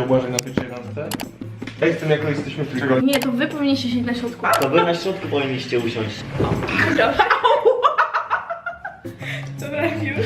Błażej na pierwszej randce? Jak z tym jako jesteśmy tylko... Nie, to wy powinniście siedzieć na środku. To wy na środku powinniście usiąść. Dobra, już.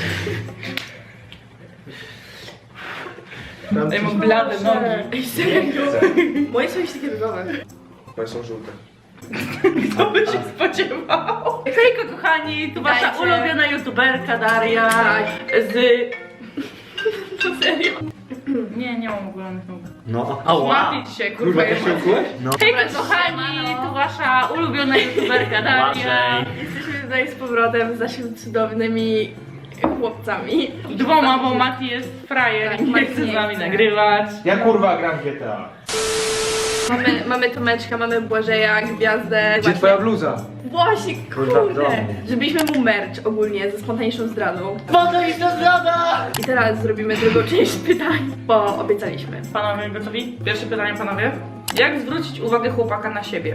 Ej, mam blade nogi. Ej, serio? Moje są już takie różowe. Moje są żółte. Kto by się spodziewał? Hejko kochani, tu wasza Dajcie. ulubiona youtuberka Daria z... To serio? Nie mam ogolonych nóg. No, ała! Złapię ci się, kurwa. No. Hejko kochani, tu wasza ulubiona youtuberka Daria. Jesteśmy tutaj z powrotem z naszymi cudownymi chłopcami. Dwoma, bo Mati jest frajer Tak, i nie Mati chce z nie nami chce. nagrywać. Ja kurwa gram w GTA. Mamy Tomeczka, mamy Błażeja, Gwiazdę. Gdzie twoja bluza? Właśnie, Kurwa, w kurde. domu. Zrobiliśmy mu merch ogólnie ze spontaniczną zdradą. Spontaniczna zdrada! I teraz zrobimy drugą część pytań, bo obiecaliśmy. Panowie gotowi? Pierwsze pytanie, panowie. Jak zwrócić uwagę chłopaka na siebie?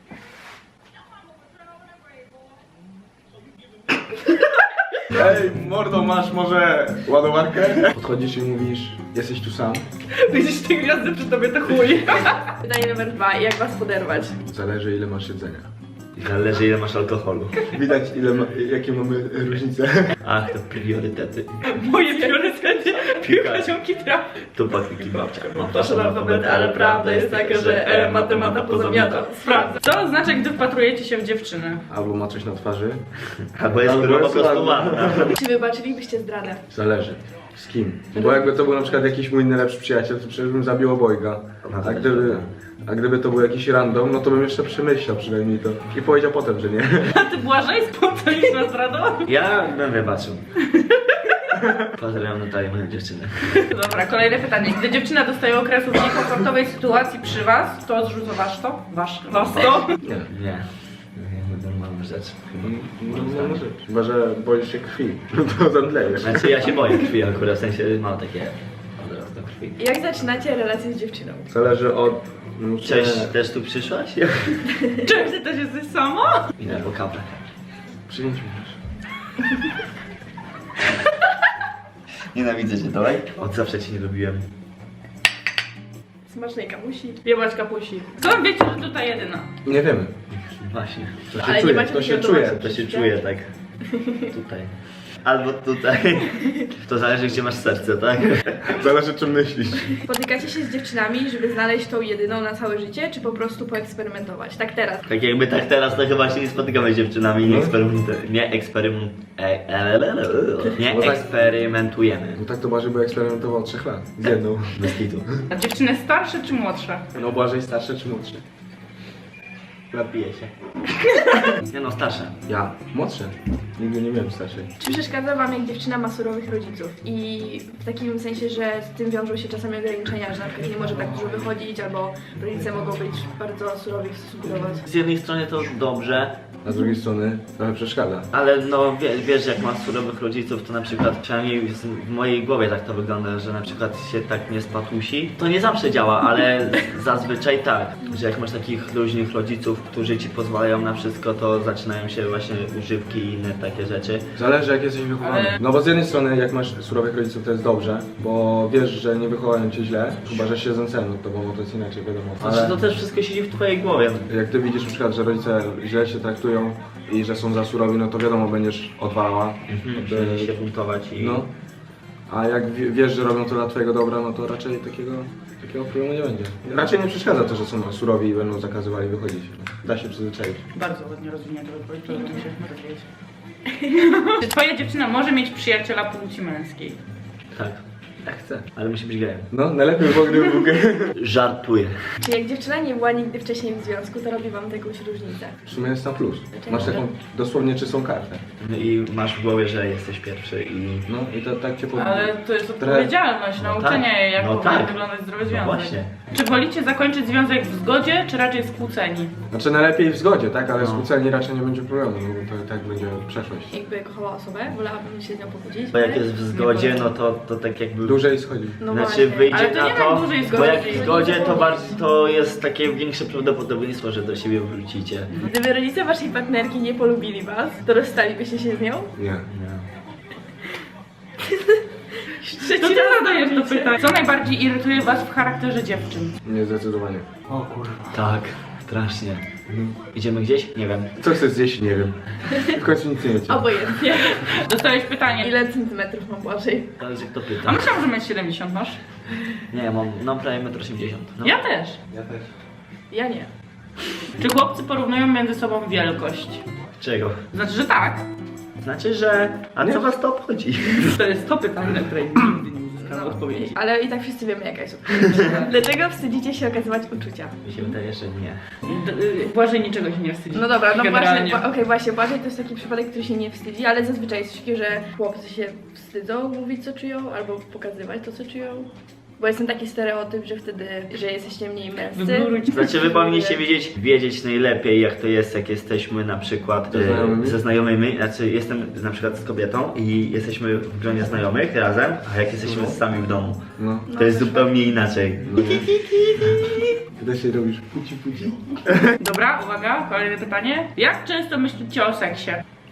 Ej, mordo, masz może ładowarkę? Podchodzisz i mówisz, jesteś tu sam. Widzisz te gwiazdy przy tobie, to chuj. Pytanie numer 2. Jak was poderwać? Zależy ile masz jedzenia. Zależy ile masz alkoholu. Widać jakie mamy różnice. Ach, to priorytety. Moje priorytety piłka ziomki trafi. Tu patyki babcia. No proszę alfabety, ale prawda jest taka, że matemata pozamiata. Sprawdzę. Co oznacza, gdy wpatrujecie się w dziewczynę? Albo ma coś na twarzy. Albo jest Albo po jest prostu ładna. ładna. Czy wybaczylibyście zdradę? Zależy. Z kim? Bo jakby to był na przykład jakiś mój najlepszy przyjaciel, to przecież bym zabił obojga. A gdyby to był jakiś random, no to bym jeszcze przemyślał przynajmniej to. I powiedział potem, że nie. A ty Błażej spontaniczna zdrada? Ja bym wybaczył. Pozdrawiam Natalię, moją dziewczynę. Dobra, kolejne pytanie. Gdy dziewczyna dostaje okresu w niekomfortowej sytuacji przy was, to odrzucasz to? Was to? Nie. Nie. Normalna rzecz. No może. Chyba, że boisz się krwi. No to zemdlejesz. Znaczy ja się boję krwi akurat, w sensie mam takie od razu do krwi. Jak zaczynacie relację z dziewczyną? Zależy od... Cześć, też tu przyszłaś? Cześć, ty też jesteś sama? Idę po kawę. Przyjęć mi też. Nienawidzę cię, dawaj. Od zawsze cię nie lubiłem. Smacznej kamusi. Jebać kapusi. Skąd wiecie, że tutaj jedyna? Nie wiemy. Właśnie. To się Ale nie czuje, macie to się takiego czuje. domu. To się czuje tak. Tutaj. Albo tutaj. To zależy gdzie masz serce, tak? Zależy czym myślisz. Spotykacie się z dziewczynami, żeby znaleźć tą jedyną na całe życie, czy po prostu poeksperymentować? Tak teraz. Tak jakby tak teraz to chyba się nie spotykamy z dziewczynami, nie eksperymentujemy. No tak to Błażej by eksperymentował 3 lat. Z jedną. Bez kitu. A dziewczyny starsze czy młodsze? No Błażej starszy czy młodszy? Napiję się. Nie no, starsze. Ja. Młodszy. Nigdy nie miałem starszej. Czy przeszkadza wam, jak dziewczyna ma surowych rodziców? I w takim sensie, że z tym wiążą się czasami ograniczenia, że na przykład nie może tak dużo wychodzić, albo rodzice mogą być bardzo surowi w stosunku do was. Z jednej strony to dobrze, A z drugiej strony trochę przeszkadza. ale no wiesz jak masz surowych rodziców, to na przykład przynajmniej w mojej głowie tak to wygląda, że na przykład się tak nie spatusi. To nie zawsze działa, ale zazwyczaj tak, że jak masz takich luźnych rodziców, którzy ci pozwalają na wszystko, to zaczynają się właśnie używki i inne takie rzeczy. Zależy jak jesteś wychowany. Ale- No bo z jednej strony jak masz surowych rodziców to jest dobrze, bo wiesz, że nie wychowają cię źle, chyba że się zemstem od tobą, bo to jest inaczej wiadomo. Znaczy to też wszystko siedzi w twojej głowie. Jak ty widzisz na przykład, że rodzice źle się traktują i że są za surowi, no to wiadomo będziesz odwalała. Żeby się buntować i... No. A jak wiesz, że robią to dla twojego dobra, no to raczej takiego problemu nie będzie. Raczej nie przeszkadza to, że są surowi i będą zakazywali wychodzić. Da się przyzwyczaić. Bardzo ładnie rozwinięta odpowiedź, to o tym się rozwijać. Czy twoja dziewczyna może mieć przyjaciela płci męskiej? Tak, Jak chce. ale musi być gejem. No, najlepiej było, gdyby był gej. Żartuję. Czy jak dziewczyna nie była nigdy wcześniej w związku, to robi wam jakąś różnicę? W sumie jest na plus. Masz taką dosłownie czystą kartę. I masz w głowie, że jesteś pierwszy i... No i to tak cię Ale to jest odpowiedzialność, No nauczenie tak. jej, jak No powinien tak. wyglądać zdrowy No związek. właśnie. Czy wolicie zakończyć związek w zgodzie, czy raczej skłóceni? Znaczy najlepiej w zgodzie, tak? Ale No. skłóceni raczej nie będzie problemu, no bo to i tak będzie przeszłość. Jakby kochała osobę, wolałabym się z nią pogodzić. Bo jak jest w zgodzie, no to tak jakby... Dłużej schodzi. No Znaczy właśnie. wyjdzie Ale to na nie to, tak dłużej bo zgodzi. jak w zgodzie to bardziej to jest takie większe prawdopodobieństwo, że do siebie wrócicie. Gdyby rodzice waszej partnerki nie polubili was, to rozstalibyście się z nią? Nie. Nie. To ty zadajesz to pytanie. Co najbardziej irytuje was w charakterze dziewczyn? Nie, zdecydowanie. O kurwa. Tak, strasznie. Idziemy gdzieś? Nie wiem. Co chcesz zjeść? Nie wiem. W końcu nic nie wiecie. Obojętnie. Dostałeś pytanie. Ile centymetrów mam Błażej? Zależy kto A pyta. myślałam, że 1,70 m masz. Nie, ja mam prawie 1,80 m. No. Ja też. Ja też. Ja nie. Czy chłopcy porównują między sobą wielkość? Czego? Znaczy, że tak. Znaczy, że... A co was to obchodzi? To jest to pytanie, na które nigdy nie uzyskałem odpowiedzi. Ale i tak wszyscy wiemy jaka jest Dlaczego wstydzicie się okazywać uczucia? Mi się wydaje, że nie. Błażej niczego się nie wstydzi. No dobra, no Generalnie. właśnie, okej, właśnie, Błażej to jest taki przypadek, który się nie wstydzi, ale zazwyczaj jest takie, że chłopcy się wstydzą mówić co czują, albo pokazywać to co czują. Bo jest ten taki stereotyp, że wtedy, że jesteście mniej męscy. Wyblurujcie. Znaczy wy powinniście wiedzieć najlepiej jak to jest, jak jesteśmy na przykład ze znajomymi, znaczy jestem na przykład z kobietą i jesteśmy w gronie znajomych razem, a jak jesteśmy sami w domu, No. to jest zupełnie inaczej. Kiedy się robisz puci. Dobra, uwaga, kolejne pytanie. Jak często myślicie o seksie?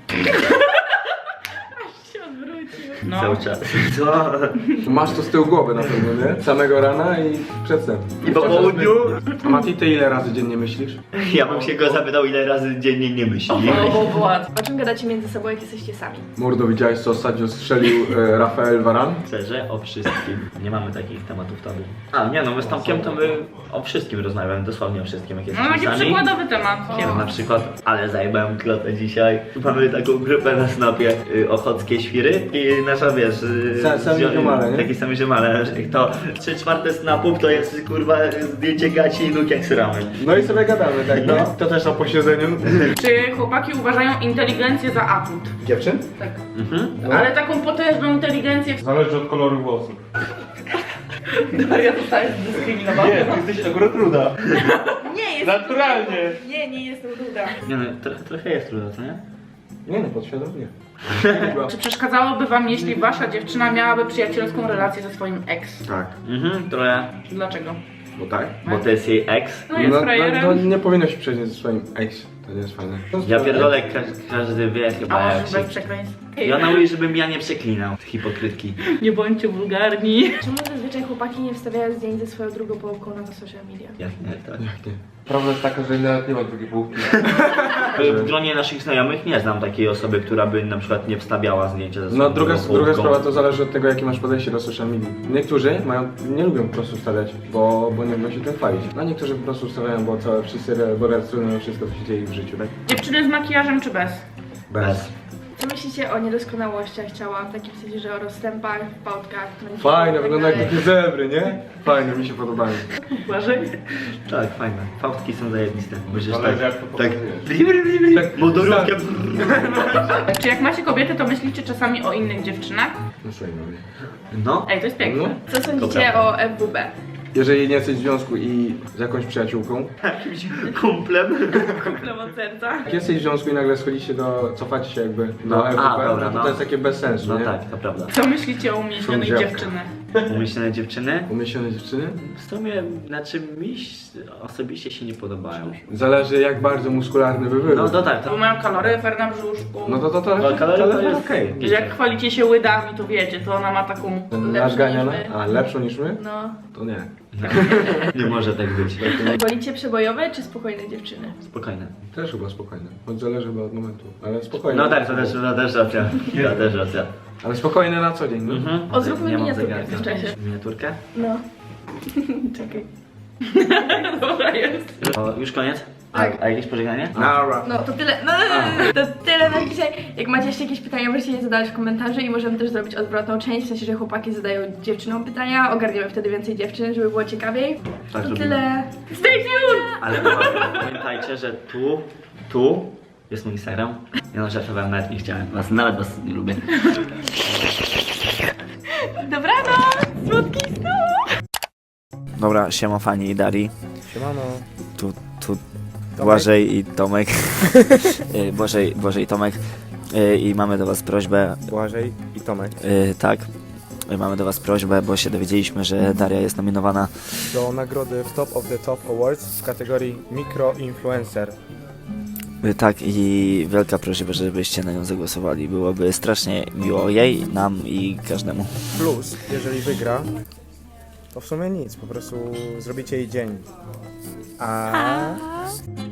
się odwrócił. No. Cały czas. Co? Masz to z tyłu głowy na pewno, nie? Samego rana i przedtem. I po południu? A Mati, ty ile razy dziennie myślisz? Ja bym się go zapytał ile razy dziennie nie myśli. O, było łatwo. O czym gadacie między sobą, jak jesteście sami? Mordo, widziałeś co ostatnio strzelił Rafael Varane? Szczerze, o wszystkim. Nie mamy takich tematów tabu. A nie no, my z Tomkiem to my o wszystkim rozmawiamy, dosłownie o wszystkim jak No jesteśmy taki sami. przykładowy temat. Na przykład, ale zajebałem klotę dzisiaj. Mamy taką grupę na snopie, ochockie świry i nasza wiesz... Sami ziomale, nie? Taki sami ziomale, to 3/4 snapów to jest kurwa zdjęcie gaci i nóg jak sramy. No i sobie gadamy, tak? No. To też na posiedzeniu. Czy chłopaki uważają inteligencję za atut? Dziewczyn? Tak. Mhm. Ale taką potężną inteligencję... Zależy od koloru włosów. Ja zostałem zdyskryminowana. Nie, ty jesteś akurat ruda. Nie jest. Naturalnie. Nie jestem ruda. Nie no, trochę jest trudno, co nie? Nie no, podświadomie. Czy przeszkadzałoby wam, jeśli wasza dziewczyna miałaby przyjacielską relację ze swoim ex? Tak. Mhm, trochę. Dlaczego? Bo tak? Bo to jest jej ex. No jest frajerem. nie powinno się przejść ze swoim ex. To nie jest fajne. Ja pierdolę, każdy wie A chyba może jak się... bez przekleństw? I ona mówi, żebym ja nie przeklinał. Hipokrytki. Nie bądźcie wulgarni. Czemu zazwyczaj chłopaki nie wstawiają zdjęć ze swoją drugą połówką na social media? Jak nie, tak. Jak nie? Prawda jest taka, że nawet nie ma drugiej połówki. W gronie naszych znajomych nie znam takiej osoby, która by na przykład nie wstawiała zdjęcia ze No swoją druga połówką. sprawa to zależy od tego, jakie masz podejście do social media. Niektórzy nie lubią po prostu wstawiać, bo nie lubią się tym chwalić. A niektórzy po prostu wstawiają, bo wszyscy relacjonują wszystko, co się dzieje w życiu, tak? Dziewczyny z makijażem czy bez? Bez. Co myślicie o niedoskonałościach ciała? W takim sensie, że o rozstępach, pałtkach, Fajne, tak wygląda jak dalej? takie zebry, nie? Fajne, mi się podobają. Błażej? Tak, fajne. Fałdki są zajebiste. Musisz Zależy, tak... jak to tak... pokazujesz. Tak, Motorówkę. Czy jak macie kobiety, to myślicie czasami o innych dziewczynach? No słuchaj, mówię. No. Ej, to jest piękne. Co sądzicie Dobra. o FWB? Jeżeli nie jesteś w związku i z jakąś przyjaciółką, Jakimś kumplem. Kumplem od serca. jak jesteś w związku i nagle cofacie się jakby do No, a, FWP, dobra, to no. to jest takie bez sensu, No nie? tak, to prawda. Co myślicie o umieśnionej Sądziawka. dziewczyny? Umyślone dziewczyny? Umieśnione dziewczyny? W sumie, znaczy mi osobiście się nie podobają. Zależy jak bardzo muskularny by był. No to tak, Bo to... mają kaloryfer na brzuszku. No to Kaloryfer jest okej. Że jak chwalicie się łydami, to wiecie, to ona ma taką... Nasz ganiana? niż my. A, lepszą niż my? No. To nie. Nie może tak być. Wolicie przebojowe czy spokojne dziewczyny? Spokojne. Też chyba spokojne. Choć zależy chyba od momentu. Ale spokojne. No tak, to też racja. To też racja. Ale spokojne na co dzień, no. O, zróbmy Nie mam miniaturkę zegarka. w tym czasie. Miniaturkę? No. Czekaj. Dobra jest. O, już koniec? Tak. A jakieś pożegnanie? Nara. No to tyle, to tyle na dzisiaj. Jak macie jeszcze jakieś pytania, możecie je zadać w komentarzu i możemy też zrobić odwrotną część, w sensie, że chłopaki zadają dziewczynom pytania, ogarniemy wtedy więcej dziewczyn, żeby było ciekawiej. Tak To robimy. tyle. Stay tuned! Ale pamiętajcie, że tu jest mój Instagram. Ja no żartowałem, nawet nie chciałem. Nawet was nie lubię. Dobranoc! Słodkich snów! Dobra, siema Fani i Dari. Siemano. Tu Błażej i Tomek. Błażej i Tomek. I mamy do was prośbę. Błażej i Tomek. Tak. Mamy do was prośbę, bo się dowiedzieliśmy, że Daria jest nominowana. do nagrody w Top of the Top Awards w kategorii Micro Influencer. Tak, i wielka prośba, żebyście na nią zagłosowali. Byłoby strasznie miło jej, nam i każdemu. Plus, jeżeli wygra, to w sumie nic, po prostu zrobicie jej dzień. A